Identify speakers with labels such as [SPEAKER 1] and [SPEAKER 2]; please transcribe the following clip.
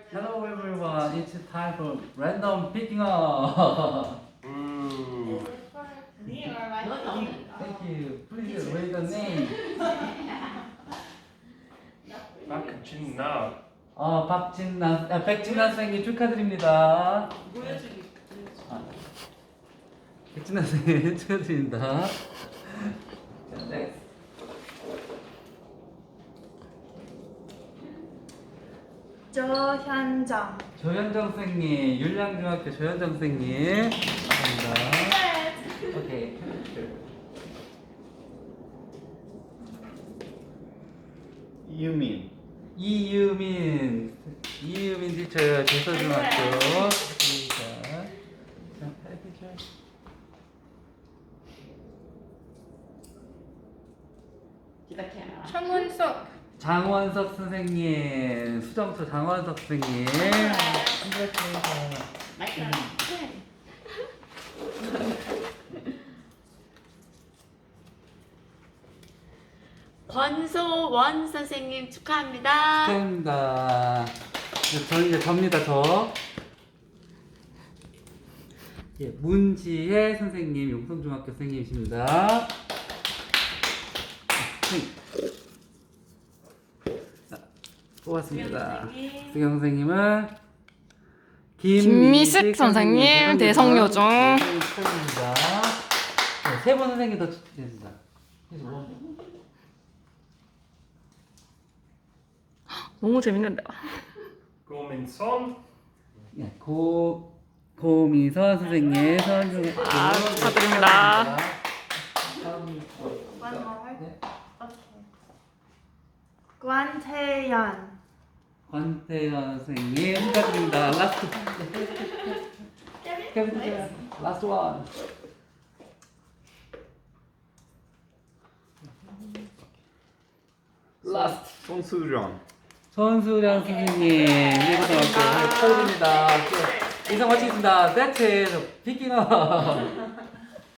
[SPEAKER 1] Hello everyone, it's time for random picking up. Thank you. Please read the name.
[SPEAKER 2] 박진나.
[SPEAKER 1] 백진남 선생님 축하드립니다.
[SPEAKER 3] 보여주기.
[SPEAKER 1] 백진남 선생님 축하드립니다. 자, next.
[SPEAKER 4] 조현정.
[SPEAKER 1] 조현정 선생님, 율량중학교 조현정 선생님. 감사합니다. 오케이.
[SPEAKER 2] 유민.
[SPEAKER 1] 이유민 티처요. 제서중학교.
[SPEAKER 4] 최문석.
[SPEAKER 1] 장원석 선생님, 수정초 장원석 선생님.
[SPEAKER 3] 권소원 선생님 축하합니다.
[SPEAKER 1] 축하합니다. 저는 이제 접니다, 저. 예, 문지혜 선생님, 용성중학교 선생님이십니다. 자, 뽑았습니다. 수경 선생님은
[SPEAKER 5] 김미숙 선생님, 대성여중.
[SPEAKER 1] 축하드립니다. 네, 세분 선생님 더 축하드립니다.
[SPEAKER 5] 너무 재밌는데.
[SPEAKER 2] 고민선.
[SPEAKER 1] 네, 고미선 선생님, 선생님.
[SPEAKER 5] 축하드립니다.
[SPEAKER 4] One more.
[SPEAKER 1] 네.
[SPEAKER 4] Okay. 관태연.
[SPEAKER 1] 권태현 선생님 축하드립니다. 라스트. 라스트 원. 라스트.
[SPEAKER 2] 손수정.
[SPEAKER 1] 손수련 선생님 일고등학교 축하드립니다. 이상 마치겠습니다. That's it. Picking up.